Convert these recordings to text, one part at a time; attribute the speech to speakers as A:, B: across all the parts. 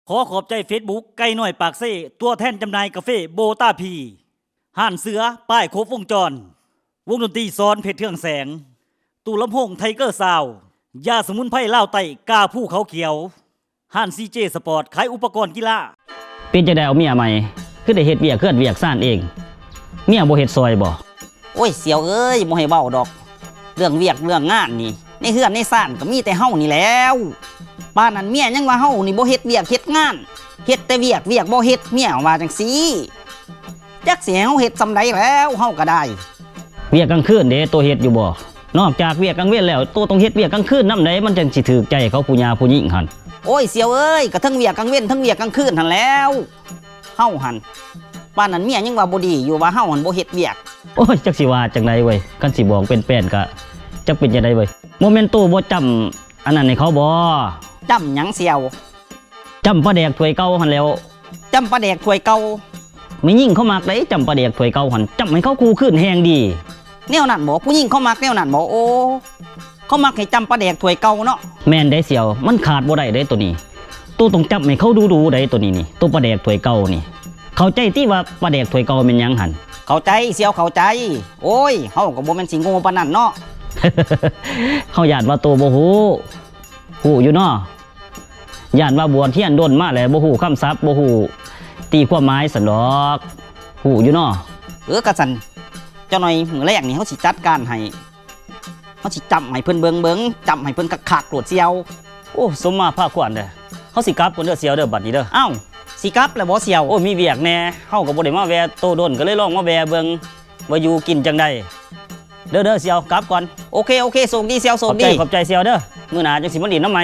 A: ขอขอบใจ Facebook ไก่น้อยปากเซ่ตัวแทนจำหน่ายกาแฟโบต้าพีห่านเสือป้ายครบวงจรวงดนตรีซ้อนเพชรเทืองแสงตู้ลำโพงไทเกอร์ซาวยาสมุนไพรล่าวไต้กาผู้เขาเขียวห่านซีเจสปอร์ตขายอุปกรณ์กีฬา
B: เป็นจะได้เอาเมียใหม่คือได้เฮ็ดเวียกเคลื่อนเวียกซ่านเองเมียบ่เฮ็ดซอยบ่
C: โอ้ยเสียวเอ้ยบ่ให้เว้าดอกเรื่องเวียกเรื่องงานนี่ในเฮือนในซ่านก็มีแต่เฮานี่แล้วบ้านนั้นเมียยังว่าเฮานี่บ่เฮ็ดเวียกเฮ็ดงานเฮ็ดแต่เวียกบ่เฮ็ดเมียว่าจังซี่จักสิให้เฮาเฮ็ดซำใดแล้วเฮาก็ได้
B: เวียกกลางคืนเด้ตัวเฮ็ดอยู่บ่นอกจากเวียกกลางเว้นแล้วตัวต้องเฮ็ดเวียกกลางคืนนำใดมันจังสิถูกใจเขาผู้หญิงผู้หญิงหั่น
C: โอ้ยเสียวเอ้ยก็ทั้งเวียกกลางเว้นทั้งเวียกกลางคืนหั่นแล้วเฮาหั่นบ้านนั้นเมียยังว่าบ่ดีอยู่ว่าเฮาหั่นบ่เฮ็ดเวียก
B: โอ้ยจักสิว่าจังไดเว้ยคันสิบอกเป็นแป้นก็จักเป็นจังไดเว้ยโมเมนต์ตู้บ่จำอันนั้นให้เขาบ่
C: จำหยังเสียว
B: จำปลาแดกถ้วยเก่าหั่นแล้ว
C: จำปลาแดกถ้วยเก่า
B: ไม่ยิ่งเขามักได้จำปลาแดกถ้วยเก่าหั่นจำให้เขาคู่ขึ้นแฮงดี
C: แนวนั้นบ่ผู้หญิงเขามักแนวนั้นบ่โอ้เขามักให้จำปลาแดกถ้วยเก่าเนาะ
B: แม่นได้เสียวมันขาดบ่ได้เด้ตัวนี้ตู้ต้องจำให้เขาดูได้ตัวนี้นี่ตัวปลาแดกถ้วยเก่านี่เข้าใจที่ว่าปลาแดกถ้วยเก่าเป็นหยังหั่น
C: เข้าใจเสียวเข้าใจโอ้ยเฮาก็บ่แม่นสิโง่ปานนั้นเนาะ
B: เฮาญาติว่าตัวบ่ฮู้อยู่เนาะญาติว่าบวชเทียนด้นมาแล้วบ่ฮู้คำศัพท์บ่ฮู้ตีความหมายซั่นดอกฮู้อยู่เนาะ
C: กะซั่นเจ้าหน่อยมื้อแรกนี่เฮาสิจัดการให้เฮาสิจำให้เพิ่นเบิ่งจำให้เพิ่นคักๆโลดเสียว
B: โอ้สมมาภาคควรเด้อเฮาสิกลับพุ่นเด้อเสียวเด้อบัดนี้เด้อ
C: อ้าวสิกลับแล้วบ่เสียว
B: โอ้มีเวียกแน่เฮาก็บ่ได้มาแวะโตด้นก็เลยลองมาแวะเบิ่งว่าอยู่กินจังได๋เด้อเสียวกลับก่อน
C: โอเคโชคดีเสียวโชคดี
B: ขอบใจเสียวเด้อมื้อหน้าจังสิมาดินน้ำใหม่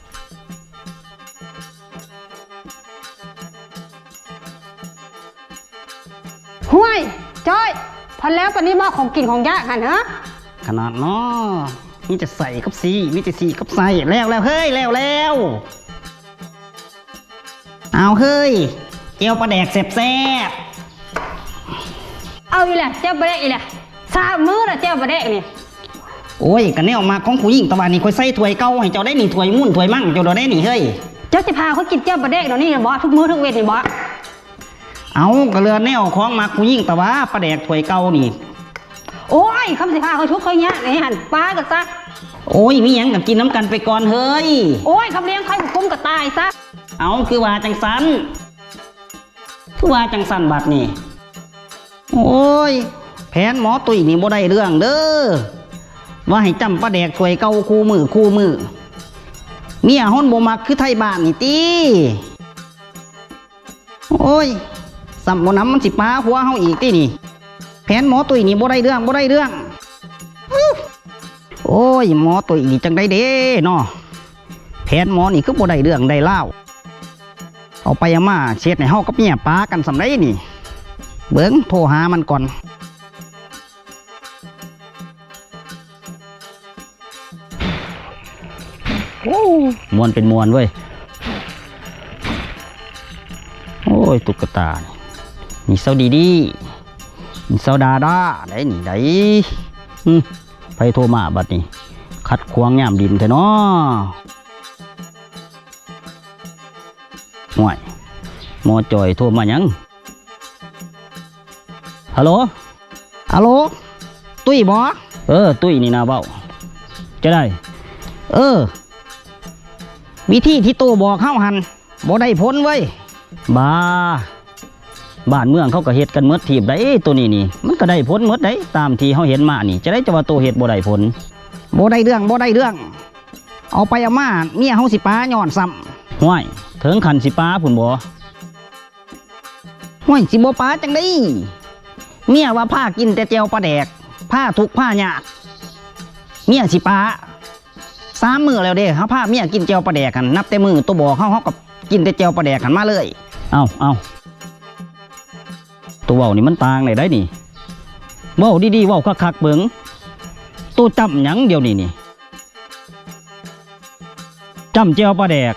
D: ห้วยจ้อยพันแล้วปนี้มาของกินของยากหันฮะ
B: ขนาดเนาะนี่จะใส่กับสีนี่จะสีกับใส่แล้วเฮ้ยแล้วเอาเฮ้ยเจียวปลาแดกแซ่บ
D: เอาอีแหละเจ้าปลาแดกอีแหละสามมื้อละเจ้าปลาแดกนี่
B: โอ้ยกันแนวมาของผู้หญิงตะวันนี่ค่อยใส่ถ้วยเก่าให้เจ้าได้นี่ถ้วยมุ่นถ้วยมั่งเจ้าได้นี่เฮ้ย
D: เจ้าจะพาเขากินเจ้าปลาแดกเดี๋ยวนี้บ่ทุกมื้อทุกเวทนี่บ่
B: เอากระเรือแนวของมาผู้หญิงตะวะปลาแดกถ้วยเก่านี่
D: โอ้ยคำสิพาเขาชุกเขาเนี้ยนี่หันปลากับซะ
B: โอ้ยมีหยังกับกินน้ำกันไปก่อนเฮ้ย
D: โอ้ยคำเลี้ยงใครคุ้มกับตายซะ
B: เอาคือว่าจังสันบัดนี่โอ้ยแผนหมอตุ้ยนี่บ่ได้เรื่องเด้อว่าให้จำปลาแดกถ้วยเก่าคู่มือเมียฮ้อนบ่มักคือไทยบ้านนี่ติโอ้ยสัมบ่น้ำมันสิปาหัวเฮาอีกตินี่แผนหมอตุ้ยนี่บ่ได้เรื่องโอ้ยหมอตุ้ยนี่จังได้เด้เนาะแผนหมอนี่คือบ่ได้เรื่องได้เล่าเอาไปมาเช็ดให้เฮากับเมียปากันสำไรนี่เบิ่งโทรหามันก่อนโอ้มวนเป็นมวนเว้ยโอ้ยตุ๊กตานี่เซาดีนี่เซาดาได้นี่ได้ไปโทรมาบัดนี้ขัดขวางย่ามดินแท้เนาะห่วยหมอจอยโทรมายังฮัลโหลตุ้ยบ่ตุ้ยนี่นะเบ้าจะได้วิธีที่ตู้บอกเข้าหันบ่ได้พ้นเว้ยบ้านเมืองเขาก็เฮ็ดกันเมดทีบได้ตัวนี้มันก็ได้ผลเมดได้ตามที่เขาเห็นมานี่จะได้จะว่าตัวเฮ็ดบ่ได้ผลบ่ได้เรื่องเอาไปเอามาเมียเฮาสิป้าย้อนซ้ำห้วยถึงขันสิป้าพุ่นบ่ห้วยสิบ่ป้าจังได้เมียว่าผ้ากินแต่เจียวปลาแดกผ้าทุกผ้ายากเมียสิป้า3 มื้อแล้วเด้เฮาพาเมียกินเจียวปลาแดกกันนับแต่มื้อตัวบอกเฮากับกินแต่เจียวปลาแดกกันมาเลยเอาตัวเว้านี่มันต่างเลยได้นี่เว้าดีๆเว้าคักๆเบิ่งตัวจำหยังเดียวนี่จำเจียวปลาแดก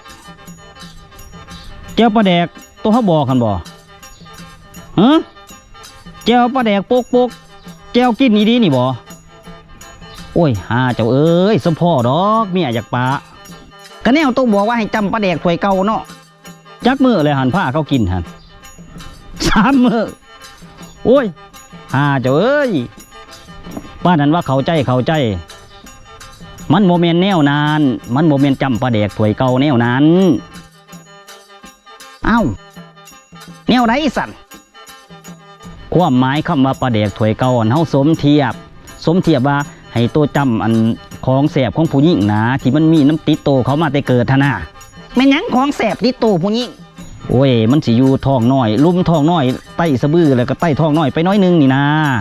B: ตัวเขาบอกกันบ่ฮะเจียวปลาแดกโปกเจียวกินนี่ดีนี่บ่โอ้ยหาเจ้าเอ้ยสมพ่อดอกเมียอยากปะก็แนวตัวบอกว่าให้จำปลาแดกถ้วยเก่าเนาะจักมื้อเลยหันผ้าเขากินหัน3 มื้อโอ้ยหาเจ้าเอ้ยป้านั้นว่าเข้าใจมันโมเมนแนวนานมันโมเมนจำปลาแดกถวยเก่าแนวนั้นเอ้าแนวไหนสั่นความหมายคำว่าปลาแดกถวยเก่าอันเฮาสมเทียบว่าให้ตัวจำอันของแสบของผู้หญิงนะที่มันมีน้ำติดโตเขามาแต่เกิดทนาแม่นหยังของแสบติดโตผู้หญิงโอ้ยมันสิอยู่ท้องน้อยลุ่มท้องน้อยไต้สะบือแล้วก็ไต้ท้องน้อยไปน้อยนึงนี่นะ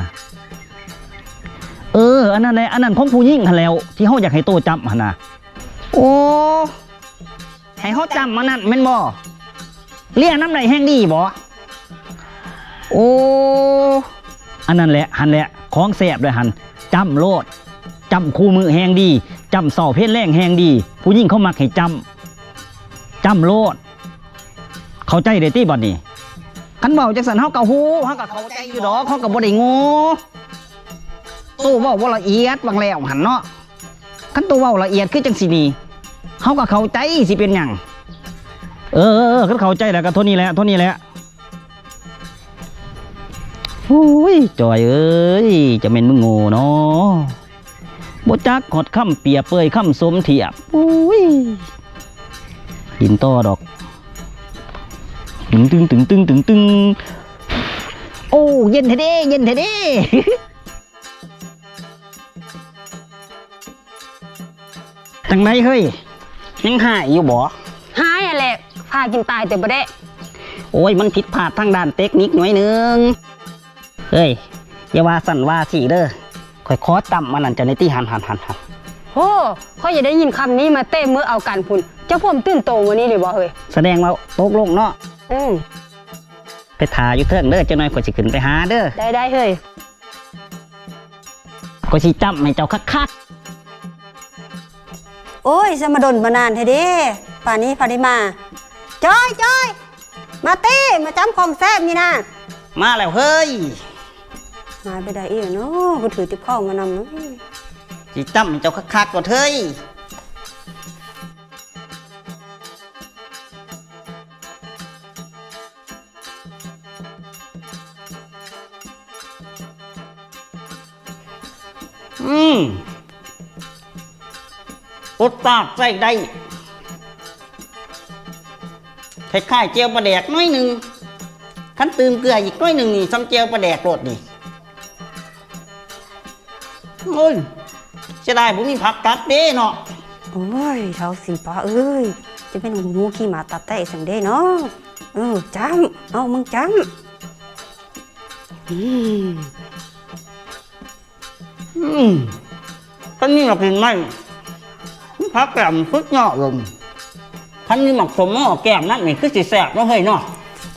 B: อันนั้นแหละอันนั้นของผู้หญิงหันแล้วที่เฮาอยากให้โตจำหั่นน่ะโอ้ให้เฮาจำมันนั่นแม่นบ่เลี้ยงน้ำไหลแห้งดีบ่โอ้อันนั้นแหละหันแหละของแสบเลยหันจำโลดจำคู่มือแห้งดีจำเสาเพศแรงแห้งดีผู้หญิงเขามักให้จำโลดเข้าใจได้ติบัดนี้คันเว้าจังซั่นเฮาก็ฮู้เฮาก็เข้าใจอยู่ดอกเฮาก็บ่ได้โง่ตู้เว้าบ่ละเอียดบางแล้วหั่นเนาะคันตู้เว้าละเอียดคือจังซี่นี่เฮาก็เข้าใจสิเป็นหยังคันเข้าใจแล้วก็เท่านี้แหละโอ้ยจอยเอ้ยจะเป็นมึงโง่เนาะบ่จักหดคำเปียเปยคำสมเทียบโอ้ยดินต่อดอกตึงโอ้เย็นแท้เด้จังไหนเฮ้ยยังหายอยู่บ่
D: หายอะแหละพากินตายแต่บ่ได้
B: โอ้ยมันผิดพลาดทางด้านเทคนิคหน่อยนึงเฮ้ยอย่าว่าสั่นว่าสิเด้อค่อยขอต่ำมันนั่นจะในที่หัน
D: โอ้เขาอย่าได้ยินคำนี้มาเต้มือเอากันพุ่นเจ้าพ่อมตื่นโตวันนี้เลยบ่เฮ้ย
B: แสดงว่าตกลงเนาะไปถ่ายอยู่เทิงเด้อเจ้าน้อยกว่าสิขึ้นไปหาเด้อ
D: ได้เฮ้ย
B: ก็สิจำให้เจ้าคัก
E: โอ้ยจะมาดนมานานเทเด้ป่านนี้พาได้มาจอยมาตี้มาจำของแซ่บนี่นะ
B: ๆมาแล้วเฮ้ย
E: มาไปได้อีกเนาะกูถือติบข้องมานำเนาะ
B: สิจำให้เจ้าคักๆก่อนเฮ้ยอดตาดใส่ได้คล้ายๆเจียวปลาแดกน้อยหนึ่งขั้นตื่มเกลืออีกน้อยหนึ่งนี่ซ้ำเจียวปลาแดกโรดนี่โอ้ยจะได้ผมมีผักกัดเด้เนาะ
E: โอ้ยเท้าสีป้าเอ้ยจะเป็นงูขี้หมาตัดไตสังเด้เนาะจำเอามึงจำ
B: ท่านนี่หมักเห็นไหมผักแกมสุดยอดเลยท่านนี่หมักสมหม้อแก้มนั่นนี่คือสิแสบเนาะเฮ้ยเนาะ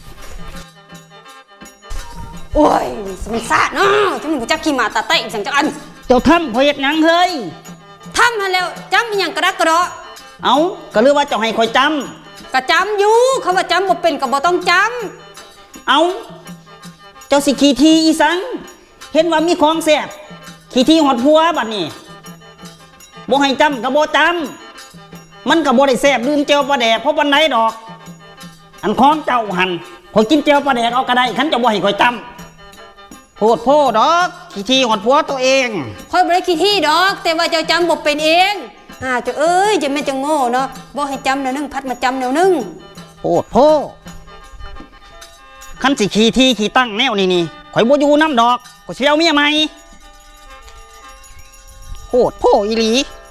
E: โอ้ยมันสะเนาะจะมึงจะขี้หมาตัดไตสังจักอัน
B: เจ้าทำข่อยเฮ็ดหยังเฮ้ย
E: ทำมาแล้วจำอีหยังกระดักกระเดาะ
B: เอาก็เลือว่าเจ้าให้ข่อยจ
E: กระจำอยู่เขาว่าจำบ่เป็นก็บ่ต้องจ
B: ำเอาเจ้าสิขี่ทีอีสังเห็นว่ามีของแสบขี่ทีหอดพัวบัดนี้บ่ให้จำก็บ่จำมันก็บ่ได้แสบดื่มเจียวปลาแดกเพราะวันไหนดอก อันของเจ้าหันข่อยกินเจียวปลาแดกเอาก็ได้คันเจ้าบ่ให้ข่อยจำโพดโพดอกขี่ทีหอดพัวตัวเอง
E: ำค่อยบ่ได้ขี้ที่ดอก แต่ว่าเจ้าจำบ่เป็นเองเจ้าเอ้ยจะแม่นจะโง่เนาะบ่ให้จำแนวนึงพัดมาจำแนวนึง
B: โพดโพคันสิขี่ทีขี่ตั้งแนวนี่ข่อยบ่อยู่น้ำดอกข่อยสิเอาเมียใหม่โพดโพอีหลี